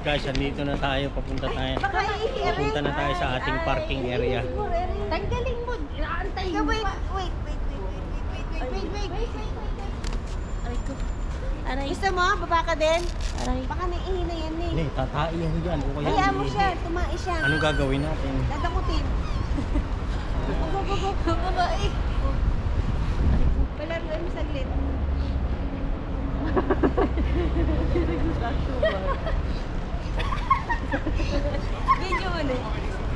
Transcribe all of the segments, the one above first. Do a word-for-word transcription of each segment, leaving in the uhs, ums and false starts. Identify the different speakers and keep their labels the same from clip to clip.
Speaker 1: Guys, andito na tayo. Papunta tayo. Papunta na tayo sa ating parking area.
Speaker 2: Tanggalin mo. Inaantay mo.
Speaker 3: Wait, wait, wait, wait, wait, wait, wait, wait, wait, wait.
Speaker 2: Aray ko. Aray.
Speaker 3: Gusto mo? Baba ka din?
Speaker 2: Aray.
Speaker 3: Baka naiihi na yan eh.
Speaker 1: Hindi, tatai yan dyan. O kaya
Speaker 3: Hayaan mo
Speaker 1: iihi.
Speaker 3: siya, tumae siya.
Speaker 1: Anong gagawin natin?
Speaker 3: Dadakutin. Babae. Palaruin mo saglit. Video mo na.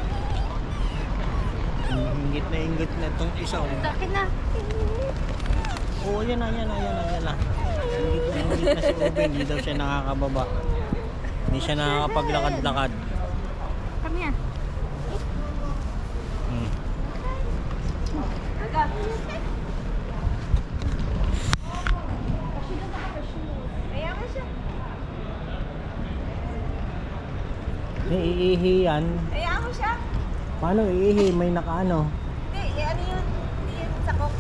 Speaker 1: Ingit na ingit na itong isa. oh.
Speaker 2: Sakit na.
Speaker 1: Oo, yan na, yan na, yan na, yan na. Ingit na ingit na si Ube. Hindi daw siya nakakababa. Hindi siya nakakapaglakad-lakad.
Speaker 2: Kami ah.
Speaker 1: Hmm.
Speaker 3: Agad. Kaya mo siya.
Speaker 1: May iihi yan.
Speaker 3: Kaya mo siya.
Speaker 1: Paano iihi? May nakaano.
Speaker 3: Hindi, eh, ano yun? Hindi yun sakok.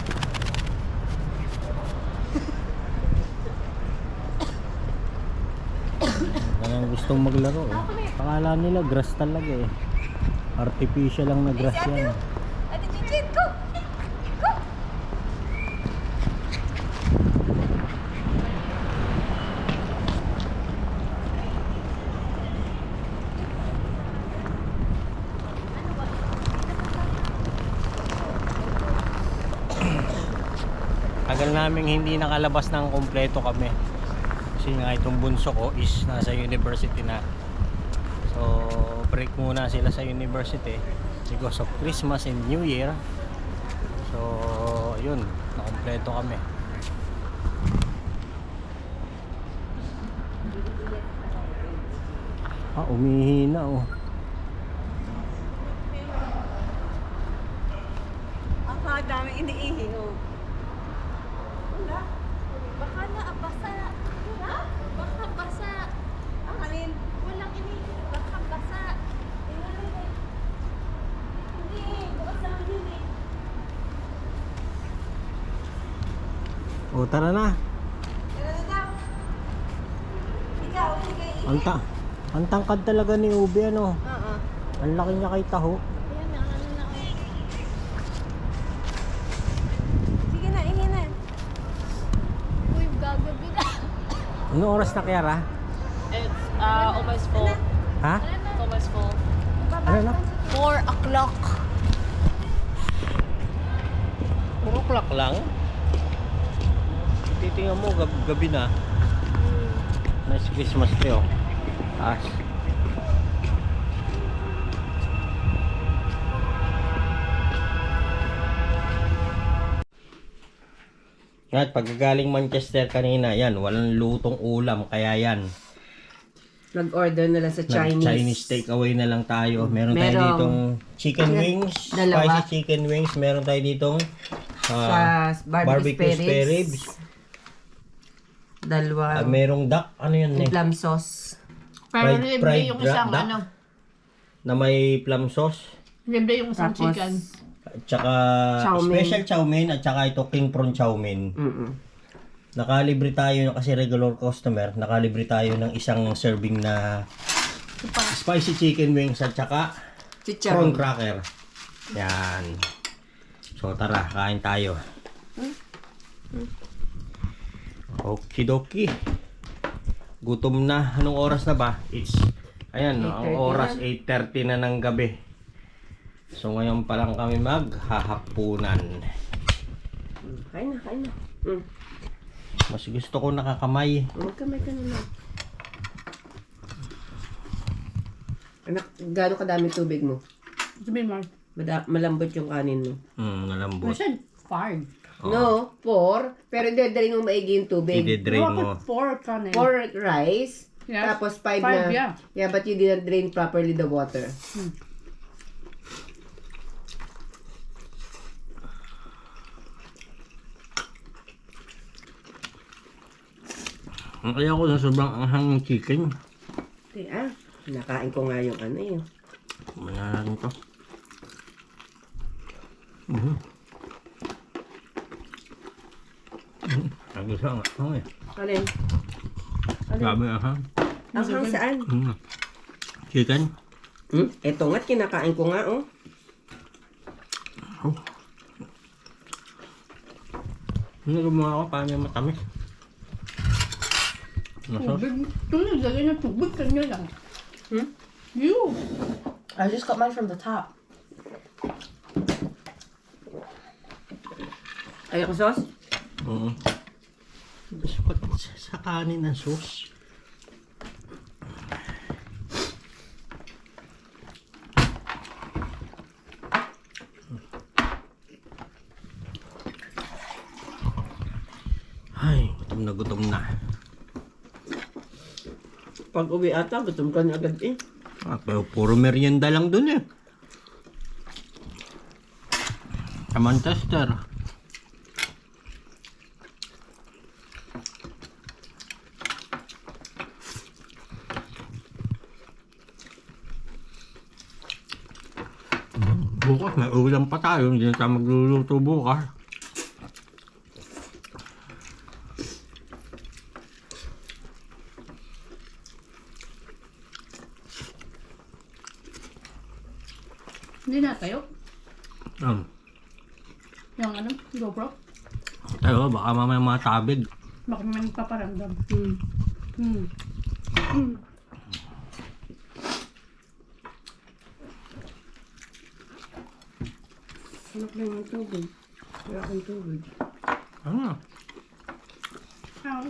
Speaker 1: Kaya gustong maglaro eh. Akala nila grass talaga eh. Artificial lang na grass yan.
Speaker 3: Ate Chinchin, go! Go!
Speaker 1: Tagal naming hindi nakalabas ng kompleto kami. Kasi nga itong bunso ko is nasa university na. So break muna sila sa university because of Christmas and New Year. So yun, nakompleto kami. Ah, umihi na oh.
Speaker 3: Ang dami iniihi, oh. Wala.
Speaker 2: Baka na abasa.
Speaker 3: Ha?
Speaker 2: Baka basa.
Speaker 3: Ang alin?
Speaker 2: Walang ini. Baka basa.
Speaker 3: Hindi, bukas lang yun eh.
Speaker 1: O tara na.
Speaker 3: Tara na daw. Ikaw, sige.
Speaker 1: Ang, ta ang tangkad talaga ni Ube ano.
Speaker 3: Oo.
Speaker 1: Ang laki niya kay Taho.
Speaker 2: Ayan na. Ano na.
Speaker 3: Sige na, ihi na.
Speaker 2: Uy, gagabi na.
Speaker 1: Ano oras na kaya ra?
Speaker 4: It's uh, almost full.
Speaker 1: Ha?
Speaker 4: It's almost full.
Speaker 1: Ano na?
Speaker 4: Four o'clock.
Speaker 1: four o'clock lang. Titingnan mo, gab gabi na. Nice Christmas tree oh. Taas. Yan, pagkagaling Manchester kanina, yan, walang lutong ulam, kaya yan.
Speaker 4: Nag-order na lang sa
Speaker 1: Chinese.
Speaker 4: Chinese.
Speaker 1: Chinese takeaway na lang tayo. Meron, tayo
Speaker 4: Merong-
Speaker 1: ditong chicken wings,
Speaker 4: Dalawa.
Speaker 1: spicy chicken wings. Meron tayo ditong
Speaker 4: Sa
Speaker 1: ah,
Speaker 4: barbecue,
Speaker 1: barbecue
Speaker 4: spare
Speaker 1: spare
Speaker 4: ribs.
Speaker 1: ribs.
Speaker 4: Dalawa.
Speaker 1: Ah, merong duck, ano yun eh?
Speaker 4: Plum sauce.
Speaker 2: Pero
Speaker 1: Fried-
Speaker 2: libre
Speaker 1: fried
Speaker 2: yung
Speaker 1: dra-
Speaker 2: isang
Speaker 1: duck
Speaker 2: ano.
Speaker 1: Na may plum sauce.
Speaker 2: Libre yung isang
Speaker 4: Tapos,
Speaker 2: chicken.
Speaker 1: At saka
Speaker 4: Chow mein.
Speaker 1: special chow mein at saka ito king prawn chow mein.
Speaker 4: Mm-mm.
Speaker 1: Nakalibre tayo kasi regular customer. Nakalibre tayo ng isang serving na spicy chicken wings at saka prawn
Speaker 4: Chicharon.
Speaker 1: cracker. Yan. So tara, kain tayo. Okidoki. Gutom na. Anong oras na ba? It's, ayan, no, ang
Speaker 4: eight thirty
Speaker 1: oras
Speaker 4: na.
Speaker 1: eight thirty na ng gabi. So ngayon pa lang kami maghahapunan.
Speaker 4: Kain na, kain na. Mm.
Speaker 1: Mas gusto ko nakakamay.
Speaker 4: Magkamay ka na lang. Anak, gaano kadami tubig mo?
Speaker 2: Sabihin mo.
Speaker 4: Mada- malambot yung kanin mo.
Speaker 1: Hmm,
Speaker 2: I
Speaker 1: nalambot.
Speaker 2: said five.
Speaker 4: No, four. Pero dadalhin mo maigi yung tubig.
Speaker 1: I-drain
Speaker 2: No, I
Speaker 1: mo.
Speaker 2: put four kanin.
Speaker 4: Four rice.
Speaker 2: Yes.
Speaker 4: Tapos five,
Speaker 2: Five,
Speaker 4: na.
Speaker 2: yeah.
Speaker 4: Yeah, but you didn't drain properly the water.
Speaker 1: Ang kaya ko sa sobrang anghang ng chicken.
Speaker 4: Okay, ah. Nakain ko nga yung ano yun.
Speaker 1: Kumaya natin to. Mhm. Mhm. Ang gusto nga. Ang eh.
Speaker 4: Alin? Alin?
Speaker 1: Grabe ah ha.
Speaker 4: Ang hang saan?
Speaker 1: Mm. Chicken.
Speaker 4: Hmm? Ito nga't kinakain ko nga, oh.
Speaker 1: Oh. Ano gumawa ako? Paano yung matamis? Nasa?
Speaker 2: Tubig. Ito nilagay ng tubig. Kanya lang.
Speaker 4: Hmm?
Speaker 2: You.
Speaker 3: I just got mine from the top.
Speaker 4: Ayaw ko sauce?
Speaker 1: Oo. Ba't sa, sa kanin ng sauce? Ay, gutom na gutom na.
Speaker 4: Pag uwi ata, gutom ka na agad eh.
Speaker 1: Ah, pero puro merienda lang dun eh. Sa Manchester. Bukas may ulam pa tayo, hindi na tayo magluluto bukas.
Speaker 2: Hindi na tayo.
Speaker 1: Um,
Speaker 2: Yung ano, GoPro.
Speaker 1: tayo, baka mamaya matabig.
Speaker 2: Baka may nagpaparamdam.
Speaker 4: Hmm.
Speaker 2: Hmm. Hmm.
Speaker 4: Anak lang ng tubig. Wala akong tubig.
Speaker 1: Ano?
Speaker 2: Ah,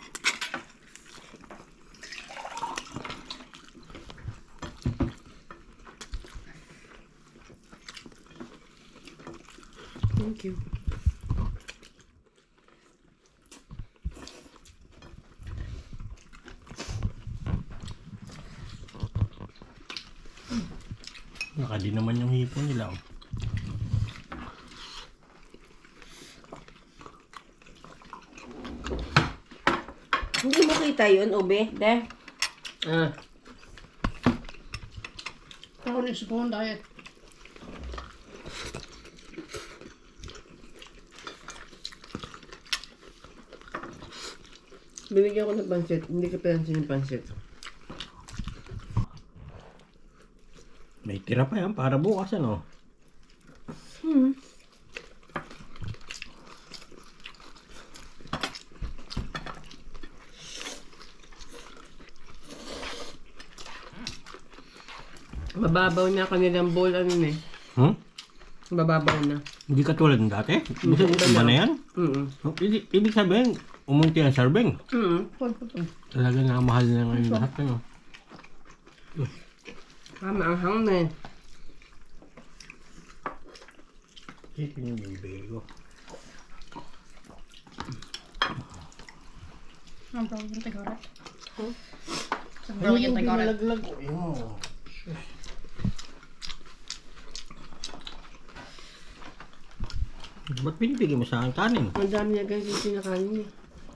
Speaker 4: Thank you.
Speaker 1: Nakadi naman yung hipon nila. Oh.
Speaker 4: Hindi mo kita yun, Ube. De. Ah.
Speaker 2: ako ni spoon diet.
Speaker 4: Binigyan ko ng pansit. Hindi ka pinansin yung pansit.
Speaker 1: May tira pa yan para bukas ano.
Speaker 4: Hmm. Mababaw na kanilang bowl ano na eh.
Speaker 1: Hmm?
Speaker 4: Mababaw na.
Speaker 1: Hindi katulad ng dati? Ibig
Speaker 4: Iba
Speaker 1: iba
Speaker 4: na.
Speaker 1: na yan?
Speaker 4: Mm
Speaker 1: Oh, Ibig, ibig sabihin, umunti ang serving.
Speaker 4: mm
Speaker 2: Hold po to.
Speaker 1: Talaga na mahal na ngayon lahat. Ano?
Speaker 4: Tama ang hang na eh.
Speaker 1: Chicken yung bego.
Speaker 2: Ang tawag yung tigarat.
Speaker 4: Huh?
Speaker 2: Ang tawag yung tigarat.
Speaker 1: binalaglag ko? Ayun. Ba't binibigyan mo sa akin kanin?
Speaker 4: Ang dami niya guys yung sinakain niya.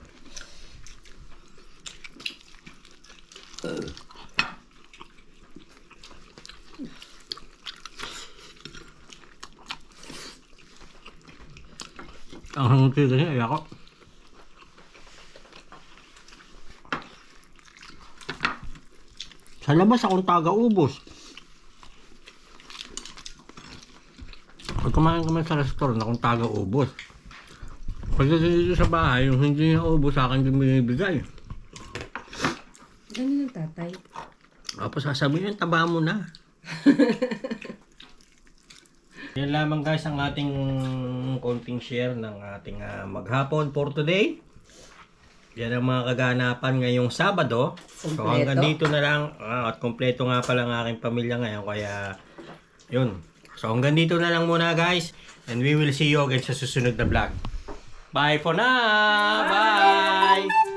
Speaker 1: Ang hangutin kasi ay ako. Sa labas akong taga-ubos. Pag kumain kami sa restaurant, akong taga-ubos. Pagdating dito sa bahay, yung hindi na ubos sa akin yung binibigay.
Speaker 4: Ganun ang tatay.
Speaker 1: Tapos sasabihin, taba mo na. Yan lamang guys ang ating konting share ng ating uh, maghapon for today. Yan ang mga kaganapan ngayong Sabado. So
Speaker 4: Kompleto.
Speaker 1: hanggang dito na lang. Ah, at kompleto nga pala ang aking pamilya ngayon. Kaya yun. So hanggang dito na lang muna guys. And we will see you again sa susunod na vlog. Bye for now! Bye!